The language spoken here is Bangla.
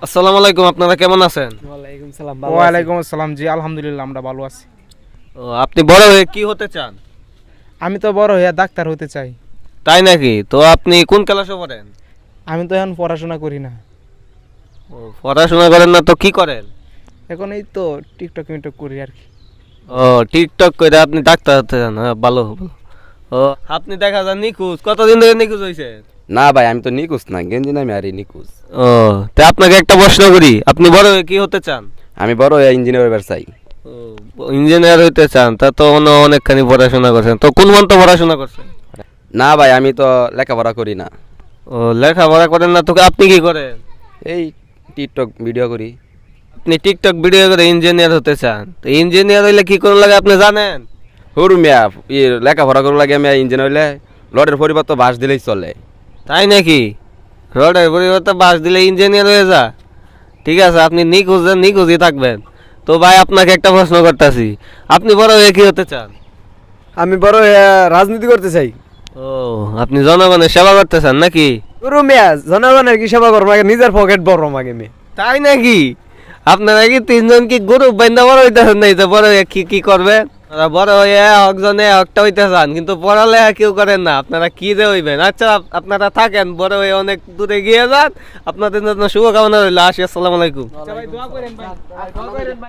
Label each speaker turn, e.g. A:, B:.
A: আসসালামু আলাইকুম, আপনারা কেমন আছেন?
B: ওয়ালাইকুম সালাম।
C: ওয়ালাইকুম আসসালাম। জি আলহামদুলিল্লাহ, আমরা ভালো আছি।
A: ও, আপনি বড় হয়ে কি হতে চান?
C: আমি তো বড় হইয়া ডাক্তার হতে চাই।
A: তাই নাকি? তো আপনি কোন ক্লাসে পড়েন?
C: আমি তো এখন পড়াশোনা করি না,
A: ও, পড়াশোনা করেন না তো কি করেন?
C: এখন এই তো টিকটক মিকটক করি আর কি।
A: ও, টিকটক করে আপনি ডাক্তার হতে চান? হ্যাঁ, ভালো ভালো। ও, আপনি দেখা যান নিখোঁজ, কতদিন ধরে নিখোঁজ হয়েছে?
D: না ভাই, আমি তো নিকুজ না, গেঞ্জি নামে আরে নিকুজ।
A: ও, তা আপনাকে একটা প্রশ্ন করি, আপনি বড় হয়ে কি হতে চান?
D: আমি বড় ইঞ্জিনিয়ার হইবার চাই।
A: ও, ইঞ্জিনিয়ার হইতে চান, তা তো অনেকখানি পড়াশোনা করছেন, তো কোন মন্ত্র পড়াশোনা করছেন?
D: না ভাই, আমি তো লেখাপড়া করি না,
A: ও, লেখাপড়া করেন না তো আপনি কি করেন?
D: এই টিকটক ভিডিও করি।
A: আপনি টিকটক ভিডিও করে ইঞ্জিনিয়ার হতে চান, তো ইঞ্জিনিয়ার হইলে কি করুন লাগে আপনি জানেন?
D: হরু মিয়া, লেখাপড়া করার লাগে আমি ইঞ্জিনিয়ার হইলে লডের পরিবার তো বাস দিলেই চলে।
A: তাই নাকি? রডের পরিবর্তে বাস দিলে ইঞ্জিনিয়ার হয়ে যা? ঠিক আছে, আপনি নিখোঁজই থাকবেন। তো ভাই, আপনাকে একটা প্রশ্ন করতেছি, আপনি বড় হয়ে কি হতে চান?
B: আমি বড় রাজনীতি করতে চাই।
A: ও, আপনি জনগণের সেবা করতে চান নাকি?
B: গুরু মিয়া, জনগণের কি সেবা করবো আগে, নিজের পকেট বড় মাগে মে।
A: তাই নাকি? আপনারা কি তিনজন কি গরু বাইন্দা বড় হইতেছেন? নাই তো বড় হয়ে কি করবেন? আপনারা বড় হয়ে একজনে একটা হইতে চান, কিন্তু পড়ালেখা কেউ করেন না, আপনারা কি যে হইবেন? আচ্ছা, আপনারা থাকেন, বড় হয়ে অনেক দূরে গিয়ে যান। আপনাদের জন্য শুভকামনা রইল। আসি, আসসালামু আলাইকুম।